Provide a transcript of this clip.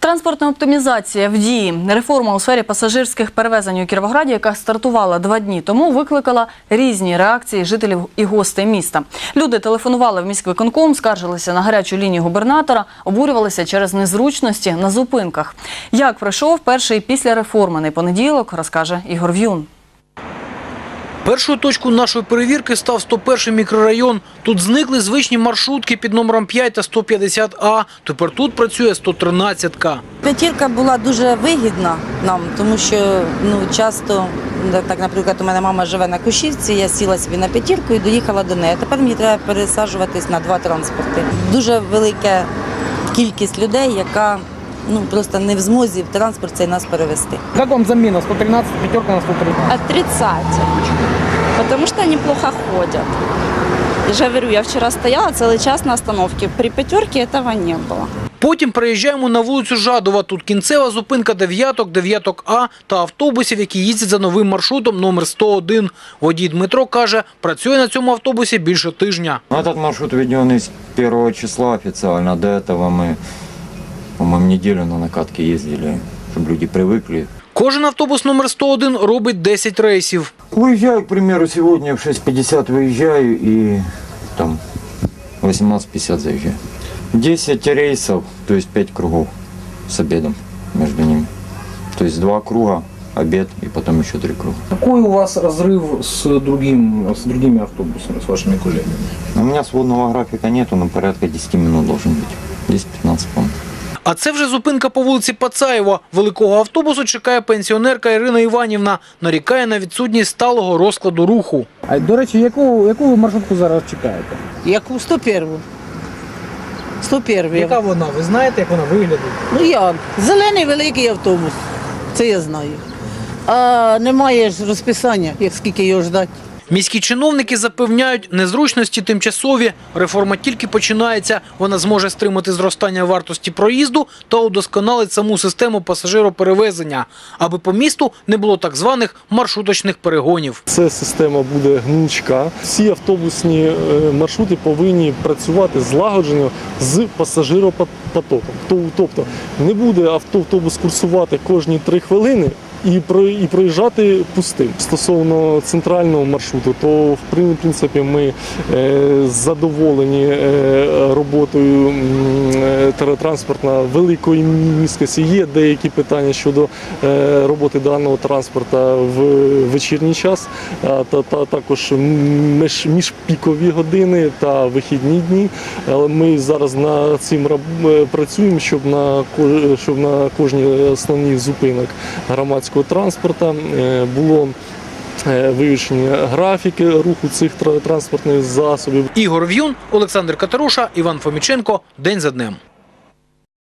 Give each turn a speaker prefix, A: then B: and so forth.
A: Транспортна оптимізація в дії. Реформа у сфері пасажирських перевезень у Кіровограді, яка стартувала 2 дні тому, викликала різні реакції жителів і гостей міста. Люди телефонували в міськвиконком, скаржилися на гарячу лінію губернатора, обурювалися через незручності на зупинках. Як пройшов перший післяреформений понеділок, розкаже Ігор В'юн.
B: Першою точкою нашої перевірки став 101-й мікрорайон. Тут зникли звичні маршрутки під номером 5 та 150А. Тепер тут працює 113-ка.
C: П'ятірка була дуже вигідна нам, тому що часто, так, наприклад, у мене мама живе на Кущівці, я сіла собі на п'ятірку і доїхала до неї. Тепер мені треба пересаджуватись на 2 транспорти. Дуже велика кількість людей, яка просто не в змозі в транспорт цей нас перевезти.
D: Как вам замена? 113, пятерка на 113?
E: Отрицательно, потому что они плохо ходят. Я же говорю, я вчера стояла целый час на остановке, при пятерке этого не было.
B: Потім приїжджаємо на вулицю Жадова. Тут кінцева зупинка дев'яток, дев'яток-А та автобусів, які їздять за новим маршрутом номер 101. Водій Дмитро каже, працює на цьому автобусі більше тижня.
F: Этот маршрут введен с 1 числа официально. До этого мы, по-моему, неделю на накатке ездили, чтобы люди привыкли.
B: Кожен автобус номер 101 робить 10 рейсів.
F: Выезжаю, к примеру, сегодня в 6:50 выезжаю и там 18:50 заезжаю. 10 рейсов, то есть 5 кругов с обедом между ними. То есть 2 круга, обед и потом еще 3 круга.
D: Какой у вас разрыв с другими автобусами, с вашими коллегами?
F: У меня сводного графика нету, но порядка 10 минут должен быть. 10-15, по-моему.
B: А це вже зупинка по вулиці Пацаєва. Великого автобусу чекає пенсіонерка Ірина Іванівна. Нарікає на відсутність сталого розкладу руху.
D: А, до речі, яку ви маршрутку зараз чекаєте?
G: Яку? 101-у. 101-ю.
D: Яка вона? Ви знаєте, як вона виглядає?
G: Як? Зелений великий автобус. Це я знаю. А немає ж розписання, як скільки його ждати.
B: Міські чиновники запевняють, незручності тимчасові. Реформа тільки починається. Вона зможе стримати зростання вартості проїзду та удосконалить саму систему пасажироперевезення, аби по місту не було так званих маршруточних перегонів.
H: Ця система буде гнучка. Всі автобусні маршрути повинні працювати злагоджено з пасажиропотоком. Тобто не буде автобус курсувати кожні 3 хвилини і проїжджати пустим. Стосовно центрального маршруту, то в принципі ми задоволені роботою транспортна великої міськості. Є деякі питання щодо роботи даного транспорту в вечірній час, та також міжпікові години та вихідні дні. Але ми зараз над цим працюємо, щоб на кожній основній зупинок громадського транспорту було вивішені графіки руху цих транспортних засобів.
B: Ігор В'юн, Олександр Катеруша, Іван Фоміченко. День за днем.